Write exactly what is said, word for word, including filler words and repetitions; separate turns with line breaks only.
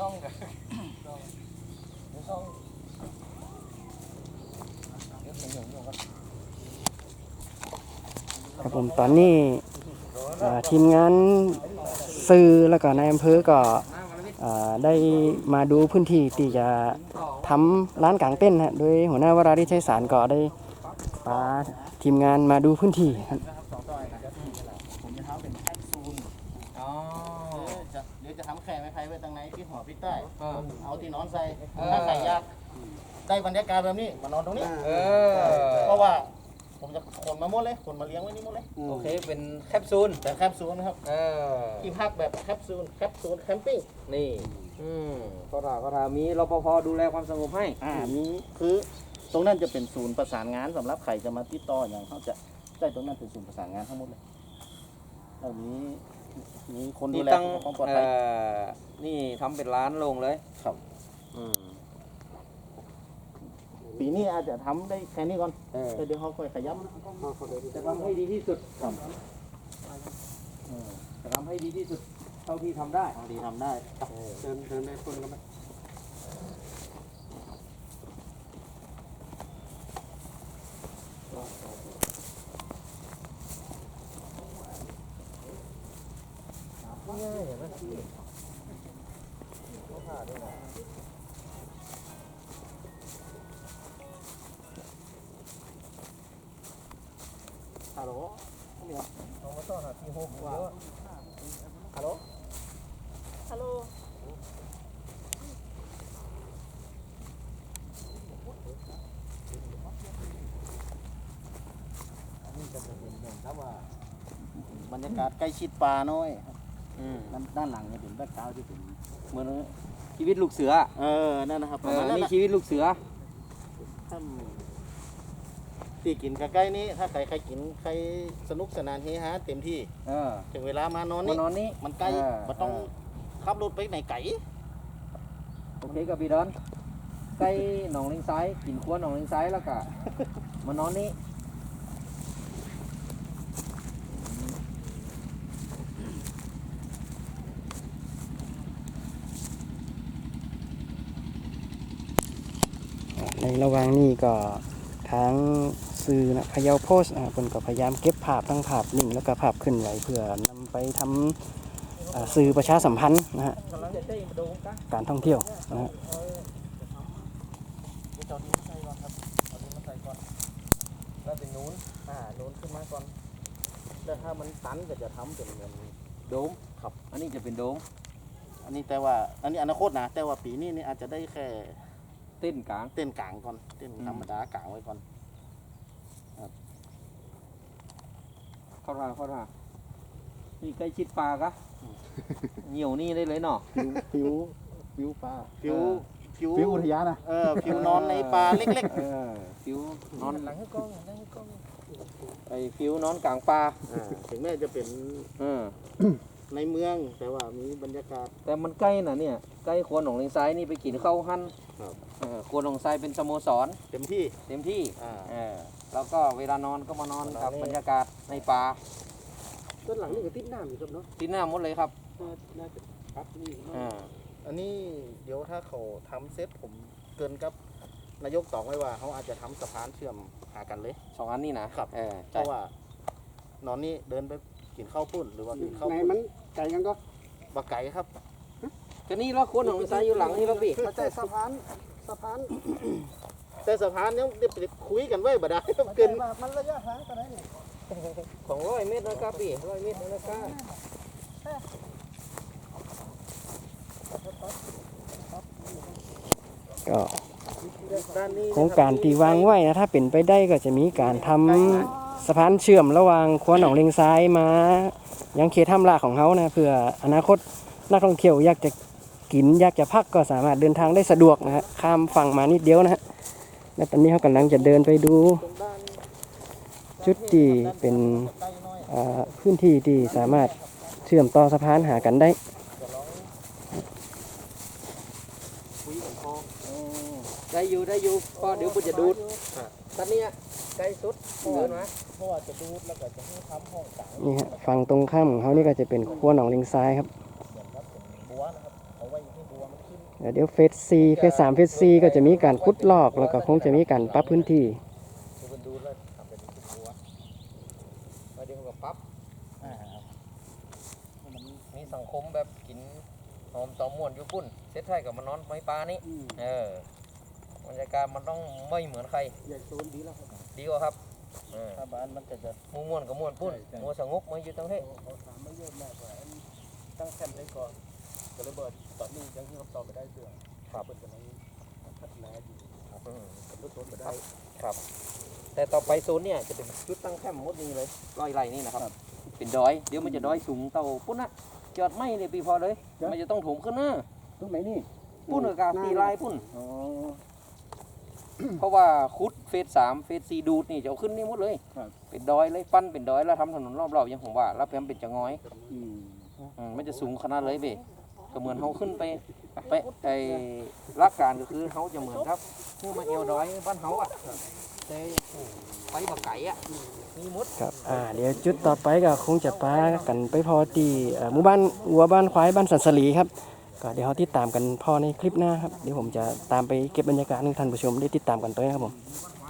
ช่องกันในช่อง
ครับผมตอนนี้ทีมงานสื่อแล้วก็นายอำเภอก็ได้มาดูพื้นที่ที่จะทำร้านกางเต้นนะโดยหัวหน้าวราริชัยสารก็ได้พาทีมงานมาดูพื้นที่ครับ
ผมจะทำเป็นแคปซูลอ๋อจะเดี๋ยวจะทำแข่ไม้ไผ่ไว้ตรงไหนที่หัวพี่ใต้เอาที่นอนใส่ถ้าใส่ยากได้บรรยากาศแบบนี้มานอนตรงนี้เพราะว่าผมจะขนมาหมดเลยขนมาเลี้ยงไว้นี่หมดเลย
โอเคเป็นแคปซูล
แต่แคปซูลนะครับที่พักแบบแคปซูลแคปซูลแคมปิ้ง
นี่อืมก็ถามก็ถามมีรปภดูแลความสงบให้
อ่ามีคือตรงนั้นจะเป็นศูนย์ประสานงานสำหรับใครจะมาติดต่ออย่างเขาจะได้ตรงนั้นเป็นศูนย์ประสานงานทั้งหมดเลยแล้วมีมีคนดูแลความปลอดภัย
นี่ทำเป็นร้านลงเลย
ครับ
อืม
ปีนี้อาจจะทำได้แค่นี้ก่อนเดี๋ยวเขาค่อยขยับ
จะทำให้ดีที่สุดครับจะทำให้ดีที่สุดเท่าที่ทำได้
เท่าที่ทำได้
เดินเดินได้คนก็ไม่
ง่ายอย่างนั้นผ่าด้วยนะฮัลโหลเนี่ยน้องมาต้อนรับที่หกว่าฮัลโหลฮัลโหลนี่จะเป็นเหมือนครับว่าบรรยากาศใกล้ชิดป่าน้อยด้านหลังเนี่ยเป็นแบ็คกราวด์ที่เป็น
เหมือนชีวิตลูกเสือ
เออนั่นนะครับ
เออนี่ชีวิตลูกเสือ
ถ้าตีกินใกล้ๆนี้ถ้าใครใครกินใครสนุกสนานเฮฮาเต็มที่ถึงเวลามานอนนี่
นอนนี่
มันใกล้มันต้องขับรถไปไหนไก่
โอเคกับพี่ดอนใกล้หนองลิงไซกินขั้วหนองลิงไซแล้วก็มานอนนี่
ในระหว่างนี้ก็ทางสื่อนะพะเยาโพสต์อ่าคนก็พยายามเก็บภาพทั้งภาพนิ่งแล้วก็ภาพขึ้นไหวเพื่อนำไปทำสื่อประชาสัมพันธ์นะฮะการท่องเที่ยวนะฮะ
แล้วเป็นนู้นอ่านู้นขึ้นมาก่อนแล้วถ้ามันตันก็จะทำเป็นเหมือน
โดมครับอันนี้จะเป็นโดม
อันนี้แต่ว่าอันนี้อนาคตนะแต่ว่าปีนี้นี่อาจจะได้แค่
เต้นกลาง
เต้นกลางก่อนเต้นธรรมดากลางไว้ก่อน
เข้าท่าเข้าท่านี่ใกล้ชิดปลากะเหนียวนี่ได้เลยเนาะ
ผิวผิวปลาผิวผิวผิวอุทยานนะเออผิวนอนในปลาเล็กๆเออ
ผิวนอน
หลังให้กล้องหลังให้กล้อง
ไอ้ผิวนอนกลางปลา
ถึงแม้จะเป็นในเมืองแต่ว่ามีบรรยากาศ
แต่มันใกล้น่ะเนี่ยใกล้ครัวหนองเลงซ้ายนี่ไปกินข้าวหั่นครัวหนองทรายเป็นสโมสร
เต็มที่
เต็มที่แล้วก็เวลานอนก็มานอนกับบรรยากาศในป่า
ต้นหลังนี่ก็ติดน้ำอยู่ครับเนาะ
ติดน้ำหมดเลยครับ
น่าจะครับนี่อันนี้เดี๋ยวถ้าเขาทำเซตผมเกินกับนายกตอกไว้ว่าเขาอาจจะทำสะพานเชื่อมหากันเลย
สองอันนี้นะครับ
เพราะว่านอนนี่เดินไปกินข้าวปุ้นหรือว่ากินข้าว
ไหนมันไก่กันก็
บะไก่ครับ
ก็นี่เราคนของซ้ายอยู่หลังนี่เราพี่
มาใจสะพานสะพาน
แต่สะพานยังเด็กคุยกันไว้บ่ได้เกิน
มันระยะทางกันได้เนี่ย
ของร้อยเมตรนะครับพี่ร้อยเมตรนะครับ
ก็โครงการที่วางไว้นะถ้าเป็นไปได้ก็จะมีการทำสะพานเชื่อมระหว่างครัวหนองเลงซ้ายมายังเขตถ้ำลาของเขานะเพื่ออนาคตนักท่องเที่ยวอยากจะกินอยากจะพักก็สามารถเดินทางได้สะดวกนะฮะข้ามฝั่งมานิดเดียวนะฮะและตอนนี้เขากำลังจะเดินไปดูจุดที่เป็นพื้นที่ที่สามารถเชื่อมต่อสะพานหากันได้
ได้อยู่ได้อยู่พอเดี๋ยวคุณจะดูดตอนนี้ใกล้สุดเดินมา
เพราะว่าจะดูดแล้วก็จะให้ทำห้องต่าง
นี่ฮะฝั่งตรงข้ามของเขานี่ก็จะเป็นครัวหนองเลงซ้ายครับ
เหมือนครับเป็นบัวนะครับเอาไว้ให้บัวมันขึ้น
เดี๋ยวเฟสสี่เฟสสามเฟสสี่ก็จะมีการขุดลอกแล้วก็คงจะมีการปรับพื้นที่
มันดูแล้วทำเป็นหัวแล้วเดี๋ยวก็ปั๊บ
อ่า
มีสังคมแบบกินหอมตอมม่วนอยู่ปุ่นเซตไทยกับมันนอนไม้ปลานี่เออบรรยากาศมันต้องไม่เหมือนใคร
ใหญ่โซนดีแล้วครับ
ดีกว่าครับเออ
ถ้าบ้านมันก็จะ
หมูม่วนกับม่วนปุ่นมัวสงบมาอยู่ตั้งเฮ้
เขาถามไม่เยอะมากว่าตั้งแคมป์ได้ก่อนก็ระเบิดตอนนี้ยังที่คำตอบไม่ได้เสื่อม
ครับ
เปิดกำลังพัฒนาอยู่
อืม
กับรถต้นไปได้
ครับแต่ต่อไปโซนเนี่ยจะเป็นจุดตั้งแคมป์หมดนี้เลยร้อยไร่นี่นะครับ เป็นดอยเดี๋ยวมันจะดอยสูงเต่าปุ่นนะจอดไม่เลยปีพอเลย มันจะต้องถมขึ้นนะ
ตรงไหนนี่
ปุ่นกับกาตีลายปุ่น
อ๋อ
เพราะว่าคุดเฟสสามเฟสสี่ดูดนี่จะเอาขึ้นนี่หมดเลย
ครับ
เป็นดอยเลยปั้นเป็นดอยแล้วทำถนนรอบๆอย่างผมว่าแล้วแพมเป็นจะงอย
อืม
อืมมันจะสูงขนาดเลยเบก็เหมือนเขาขึ้นไปไปไอ้ลักการก็คือเขาจะเหมือนครับคือมาเอวดอยบ้านเขาอ่ะแต่ไปบักไก่อ่ะมีมด
ครับอ่าเดี๋ยวจุดต่อไปก็คงจะปากันไปพอที่เอ่อหมู่บ้านวัวบ้านควายบ้านสันสลีครับก็เดี๋ยวเราติดตามกันพอในคลิปหน้าครับเดี๋ยวผมจะตามไปเก็บบรรยากาศให้ท่านผู้ชมได้ติดตามกันต่อนะครับผม